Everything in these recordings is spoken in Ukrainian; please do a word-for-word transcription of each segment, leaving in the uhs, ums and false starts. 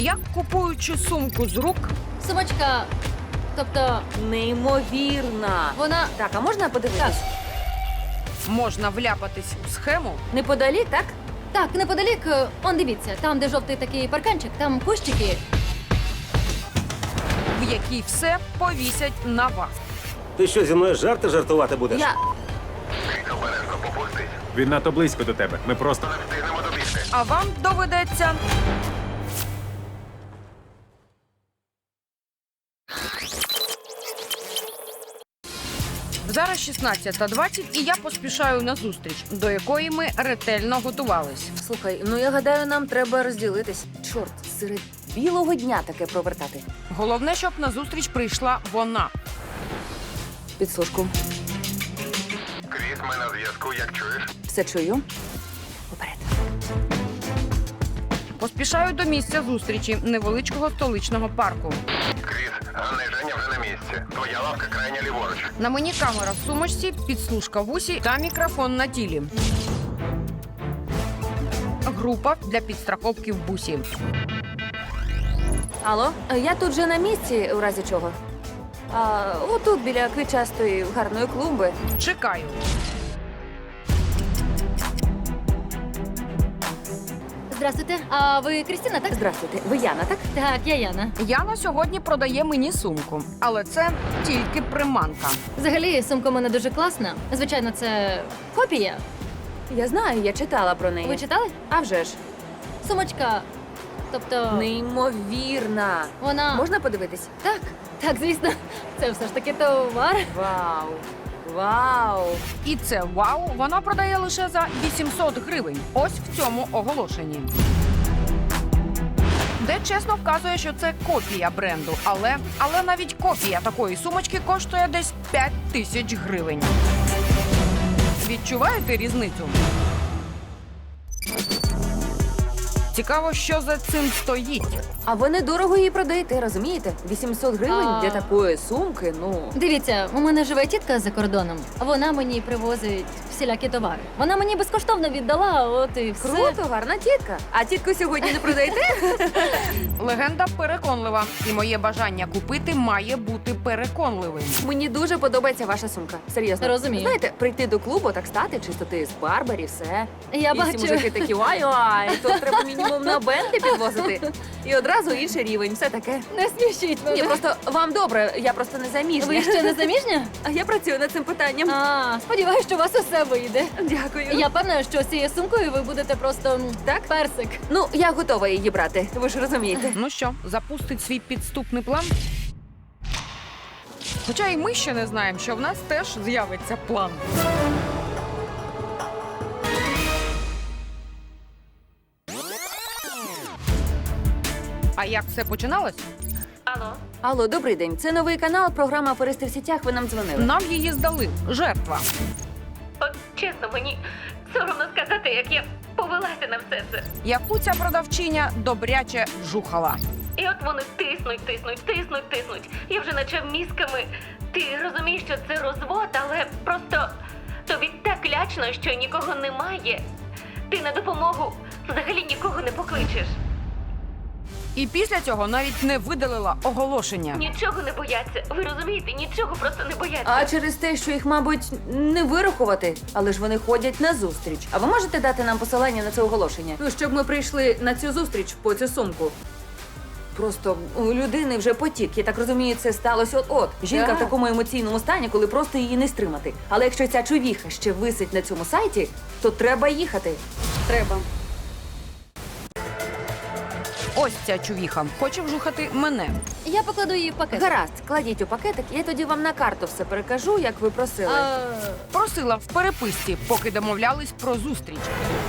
як купуючи сумку з рук, Сумочка, тобто Неймовірна. вона... Так, а можна подивитись? можна вляпатись у схему, Неподалік, так? Так, неподалік, е, он дивіться, там, де жовтий такий парканчик, там кущики. в якій все повісять на вас. Ти що, зі мною жарти жартувати будеш? Я... Він надто близько до тебе. Ми просто А вам доведеться зараз шістнадцята двадцять, і я поспішаю на зустріч, до якої ми ретельно готувались. Слухай, ну я гадаю, нам треба розділитись. Чорт, серед білого дня таке провертати. Головне, щоб на зустріч прийшла вона. Підсушку. Кріс, ми на зв'язку, як чуєш? Все чую. Уперед. Поспішаю до місця зустрічі невеличкого столичного парку. Кріс, Ганна і Женя вже на місці. Твоя лавка крайня ліворуч. На мені камера в сумочці, підслужка в усі та мікрофон на тілі. Група для підстраховки в бусі. Алло, я тут же на місці, у разі чого. А, отут, біля квітчастої гарної клумби. Чекаю. Здравствуйте, а ви Крістіна, так? Здравствуйте, ви Яна, так? Так, я Яна. Яна сьогодні продає мені сумку, але це тільки приманка. Взагалі, сумка у мене дуже класна. Звичайно, це копія. Я знаю, я читала про неї. Ви читали? А вже ж. Сумочка, тобто... Неймовірна. Вона... Можна подивитись? Так, так, звісно. Це все ж таки товар. Вау. Вау. І це вау, вона продає лише за вісімсот гривень. Ось в цьому оголошенні. Де чесно вказує, що це копія бренду, але, але навіть копія такої сумочки коштує десь п'ять тисяч гривень. Відчуваєте різницю? Цікаво, що за цим стоїть. А ви недорого її продаєте, розумієте? вісімсот гривень А. для такої сумки, ну... Дивіться, у мене живе тітка за кордоном. Вона мені привозить всілякі товари. Вона мені безкоштовно віддала, от і все. Круто, гарна тітка. А тітку сьогодні не продаєте? Легенда переконлива, і моє бажання купити має бути переконливим. Мені дуже подобається ваша сумка. Серйозно. Розумію. Знаєте, прийти до клубу, так стати, чистоти з Барбарі, все. Я і бачу. всі мужики такі, ай-ай, тут треба мінімум на бенти підвозити. І одразу інший рівень, все таке. Не смішіть мене. Ні, просто вам добре, я просто не заміжня. Ви ще не заміжня? А я працюю над цим питанням. А, сподіваюсь, що у вас усе вийде. Дякую. Я певна, що з цією сумкою ви будете просто м, Так? персик. Ну, я готова її брати, ви ж розумієте. Ну що, запустить свій підступний план? Хоча і ми ще не знаємо, що в нас теж з'явиться план. А як все починалось? Алло, добрий день. Це новий канал, програма «Аферисти в сітях». Ви нам дзвонили. Нам її здали. Жертва. От чесно, мені соромно сказати, як я повелася на все це. Яку ця продавчиня добряче вжухала. І от вони тиснуть, тиснуть, тиснуть, тиснуть. Я вже наче мізками. Ти розумієш, що це розвод, але просто тобі так лячно, що нікого немає. Ти на допомогу взагалі нікого не покличеш. І після цього навіть не видалила оголошення. Нічого не бояться. Ви розумієте, нічого просто не бояться. А через те, що їх, мабуть, не вирахувати, але ж вони ходять на зустріч. А ви можете дати нам посилання на це оголошення? Ну, щоб ми прийшли на цю зустріч по цю сумку. Просто у людини вже потік. Я так розумію, це сталося от-от. Жінка Так. в такому емоційному стані, коли просто її не стримати. Але якщо ця чувіха ще висить на цьому сайті, то треба їхати. Треба. Ось ця чувіха. Хоче вжухати мене. Я покладу її в пакет. Гаразд, кладіть у пакетик, я тоді вам на карту все перекажу, як ви просили. А, Просила в переписці, поки домовлялись про зустріч.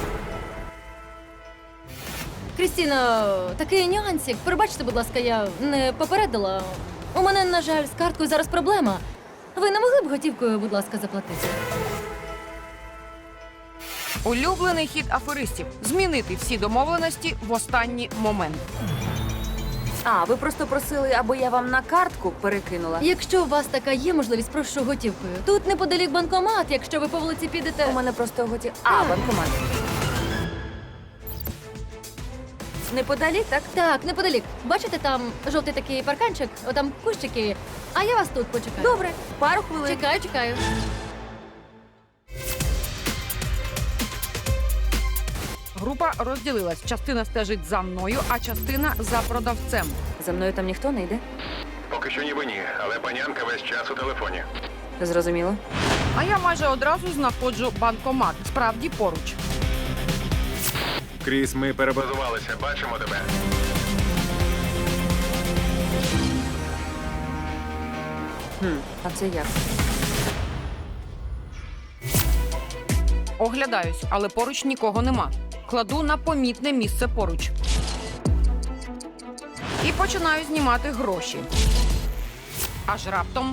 Крістіно, такий нюансик. Пробачте, будь ласка, я не попередила. У мене, на жаль, з карткою зараз проблема. Ви не могли б готівкою, будь ласка, заплатити? Улюблений хід аферистів – змінити всі домовленості в останній момент. А, ви просто просили, аби я вам на картку перекинула. Якщо у вас така є можливість, прошу готівкою. Тут неподалік банкомат, якщо ви по вулиці підете. У мене просто готі... А, Так. банкомат. неподалік, так? Так, неподалік. Бачите, там жовтий такий парканчик, отам кущики. А я вас тут почекаю. Добре, пару хвилин. Чекаю, чекаю. Група розділилась. Частина стежить за мною, а частина за продавцем. За мною там ніхто не йде? Поки що ніби ні, але панянка весь час у телефоні. Зрозуміло. А я майже одразу знаходжу банкомат. Справді поруч. Кріс, ми перебазували. Базувалися, бачимо тебе. Хм, а це як? Оглядаюсь, але поруч нікого нема. Кладу на помітне місце поруч. І починаю знімати гроші. Аж раптом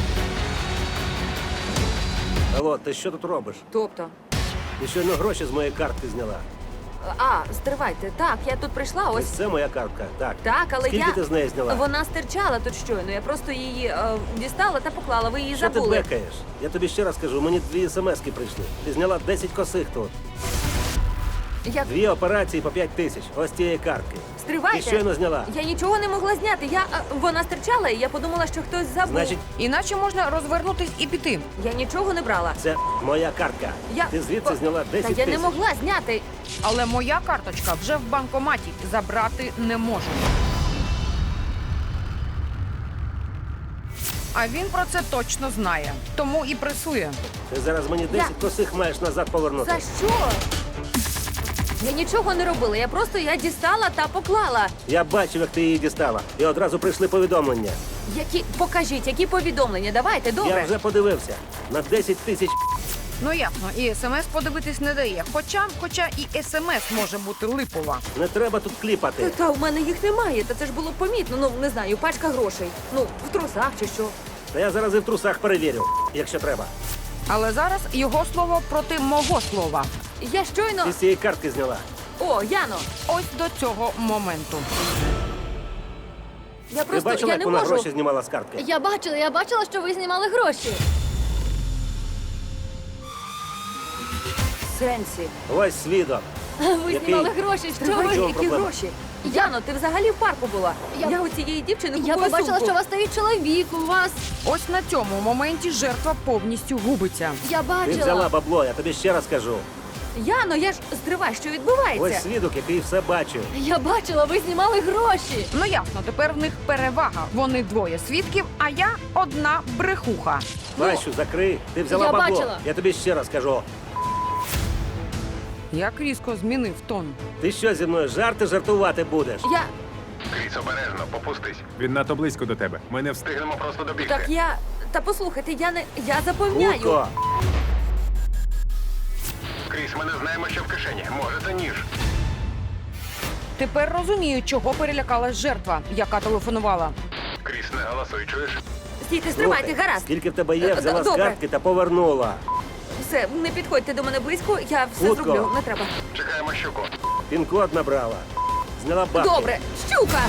Алло, ти що тут робиш? Тобто? Ти щойно гроші з моєї картки зняла. А, стривайте. Так, я тут прийшла, Ось ось. це моя картка. Так. Так, але Скільки я... ти з неї зняла? Вона стирчала тут щойно. Я просто її е, дістала та поклала. Ви її Що ти забули. бекаєш? Я тобі ще раз кажу, мені дві смски прийшли. Ти зняла десять косих тут. Я... Дві операції по п'ять тисяч. Ось цієї картки. Ти Стривайте. щойно зняла. Я нічого не могла зняти. Я е, вона стирчала, і я подумала, що хтось забув. Значить, іначе можна розвернутись і піти. Я нічого не брала. це моя картка. Я... Ти звідси О, зняла Та десять я не тисяч. могла зняти. Але моя карточка вже в банкоматі. Забрати не можу. А він про це точно знає. Тому і пресує. Ти зараз мені десять косих маєш назад повернути. За що? Я нічого не робила. Я просто я дістала та поклала. Я бачив, як ти її дістала. І одразу прийшли повідомлення. Які покажіть, які повідомлення? Давайте, добре. Я вже подивився. На десять тисяч. Ну ясно, і смс подивитись не дає. Хоча, хоча і смс може бути липова. Не треба тут Та, кліпати. та у мене їх немає. Та це ж було помітно. Ну не знаю, пачка грошей. Ну в трусах чи що. Та я зараз і в трусах перевірю, якщо треба. Але зараз його слово проти мого слова. Я щойно. Ти з цієї картки зняла. О, Яно, Ось до цього моменту. я Ти просто бачила, я як не вона можу. гроші знімала з картки? Я бачила, я бачила, що ви знімали гроші. Сенсі. Ось свідок. Ви Який? знімали гроші. Що Тривай, ви? чому які проблема? гроші? Яно, ти взагалі в парку була. Я- Я, у цієї дівчини купую Я побачила, сумку. що у вас стоїть чоловік, у вас. Ось на цьому моменті жертва повністю губиться. Я Ти взяла бачила. бабло, я тобі ще раз кажу. Яно, я ж стривай, що відбувається? Ось свідок, який все бачив. Я бачила, ви знімали гроші. Ну ясно, тепер в них перевага. Вони двоє свідків, а я одна брехуха. Бачу, закрий. Ти взяла Я бабло. бачила. Я тобі ще раз кажу. Як різко змінив тон. Ти що зі мною жарти жартувати будеш? Я Кріс, обережно, попустись. Він надто близько до тебе. Ми не встиг. Встигнемо просто добігти. так я. Та послухайте, я не я запевняю. Хутко. Кріс, ми не знаємо, що в кишені. Може, це ніж. Тепер розумію, чого перелякалась жертва, яка телефонувала. Кріс, не голосуй, чуєш? Стійте, стривайте, Слухай, гаразд. Скільки в тебе є, Е, взяла з добре. картки та повернула. Все, не підходьте до мене близько, я все Хутко. зроблю, не треба. Чекаємо щуку. Пін-код набрала. Зняла бабки. Добре, щука!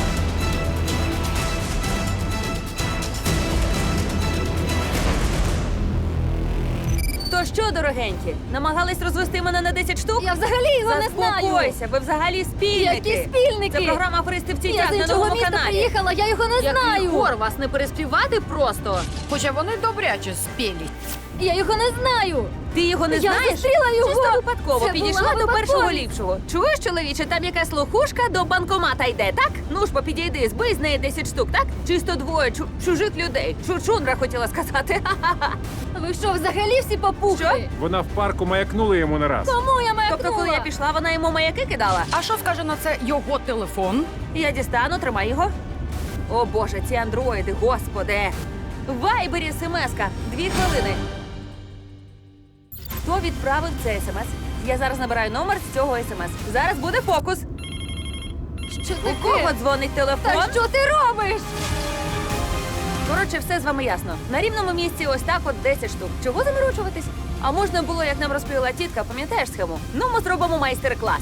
То що, дорогенькі, намагались розвести мене на десять штук? Я взагалі його не знаю. Заспокойся, ви взагалі спільники. Які спільники? Це програма «Аферисти в Я тінях» з на іншого новому міста каналі. приїхала, я його не знаю. вас не переспівати просто. Хоча вони добряче спілі. Я його не знаю. Ти його не Я знаєш? зустріла його. Чисто випадково Це підійшла була до випадковість. першого ліпшого. Чуєш, чоловіче, там якась лохушка до банкомата йде, так? Ну ж, бо підійди, збий з неї десять штук, так? Чисто двоє чу- чужих людей. Чучундра хотіла сказати. Ха-ха-ха. Ви що, взагалі всі попухли? Що? Вона в парку маякнула йому не раз. Кому я маякнула? Тобто, коли я пішла, вона йому маяки кидала. А що скаже на це його телефон? Я дістану, тримай його. О боже, ці андроїди, господи. В вайбері смс-ка. Дві хвилини. Хто відправив цей смс? Я зараз набираю номер з цього смс. Зараз буде фокус. Що У кого таке? дзвонить телефон? Та що ти робиш? Коротше, все з вами ясно. На рівному місці ось так от десять штук. Чого заморочуватись? А можна було, як нам розповіла тітка, пам'ятаєш схему? Ну, ми зробимо майстер-клас.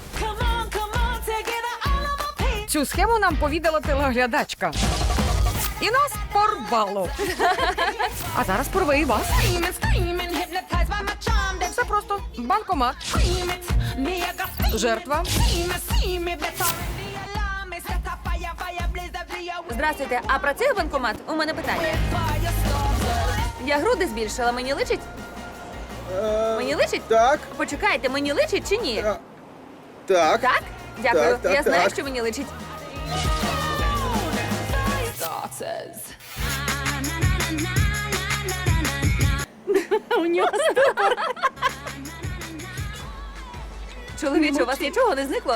Цю схему нам повідала телеглядачка. І нас порвало. А зараз порве і вас. Все просто банкомат. Жертва. Здравствуйте, а працює банкомат? У мене питання. Я груди збільшила, мені личить? Мені личить? Так, Почекайте, мені личить чи ні? а, так. Так? Дякую. Так, так, Я знаю, так. що мені личить. У нього Чоловіче, у вас нічого не зникло?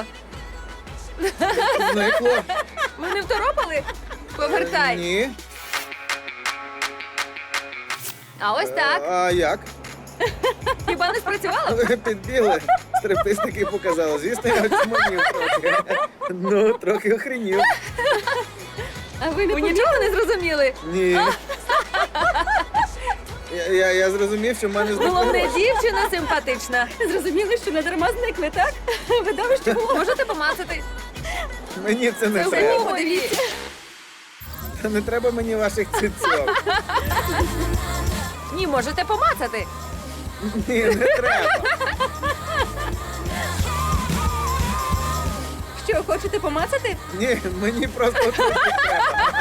Зникло. Ви не второпали? Повертай. Ні. А ось так. А як? Хіба не спрацювало? Ви підбігли. Стриптизники показали. Звісно, я очманів трохи. Ну, трохи охренів. А ви не Ви нічого не зрозуміли? Ні. Я, я, я зрозумів, що в мене зникло. Головне, дівчина симпатична. зрозуміли, що не дарма зникли, так? Видовище було. Можете помацати? Мені це не Це треба. ви подивіться. Не треба мені ваших цицьок. Ні, можете помацати. Ні, не треба. Що, хочете помацати? Ні, мені просто трохи треба.